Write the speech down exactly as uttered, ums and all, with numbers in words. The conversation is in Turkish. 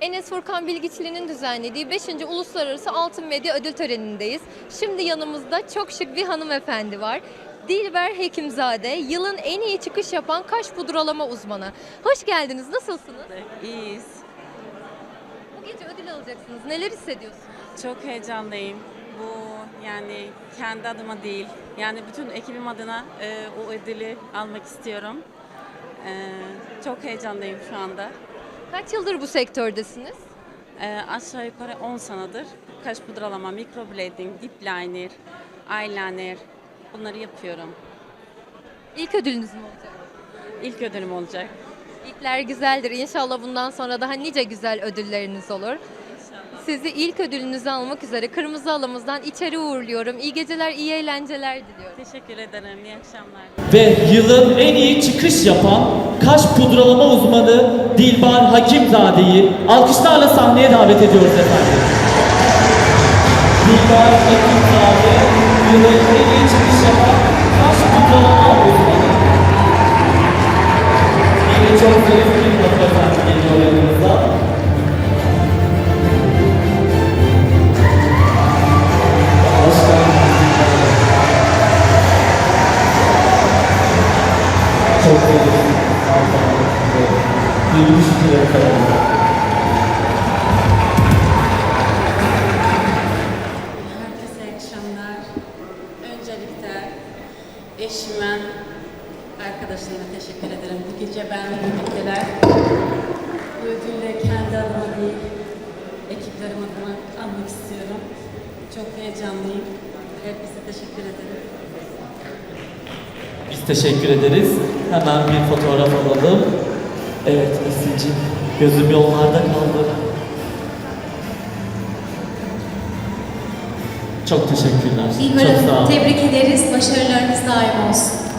Enes Furkan Bilgiçli'nin düzenlediği beşinci. Uluslararası Altın Medya Ödül Töreni'ndeyiz. Şimdi yanımızda çok şık bir hanımefendi var. Dilber Hekimzade, yılın en iyi çıkış yapan kaş pudralama uzmanı. Hoş geldiniz, nasılsınız? İyiyiz. Bu gece ödül alacaksınız, neler hissediyorsunuz? Çok heyecanlıyım. Bu yani kendi adıma değil. Yani bütün ekibim adına e, o ödülü almak istiyorum. E, çok heyecanlıyım şu anda. Kaç yıldır bu sektördesiniz? E, aşağı yukarı on senedir kaş pudralama, microblading, dip liner, eyeliner bunları yapıyorum. İlk ödülünüz mü olacak? İlk ödülüm olacak. İlkler güzeldir. İnşallah bundan sonra daha nice güzel ödülleriniz olur. İnşallah. Sizi ilk ödülünüzü almak üzere Kırmızı Halımızdan içeri uğurluyorum. İyi geceler, iyi eğlenceler diliyorum. Teşekkür ederim. İyi akşamlar. Ve yılın en iyi çıkış yapan kaş pudralama uzmanı Dilber Hakimzade'yi alkışlarla sahneye davet ediyoruz efendim. Dilber Hakimzade, yılın en iyi çıkış yapan kaş pudralama uzmanı. Yine çok zarif bir fotoğraf geliyor yanımızda. Hoş geldiniz. Çok sevdim. Duygu şükür efendim. Herkese iyi akşamlar. Öncelikle eşime, arkadaşlarıma teşekkür ederim. Bu gece benimle birlikteler. Bu ödülü kendi adıma değil, ekiplerim adına almak istiyorum. Çok heyecanlıyım. Herkese teşekkür ederim. Biz teşekkür ederiz. Hemen bir fotoğraf alalım. Evet Esin'cim, gözüm yollarda kaldı. Çok teşekkürler. Dilber Çok sağ Hanım, olun. tebrik ederiz. Başarılarınız daim olsun.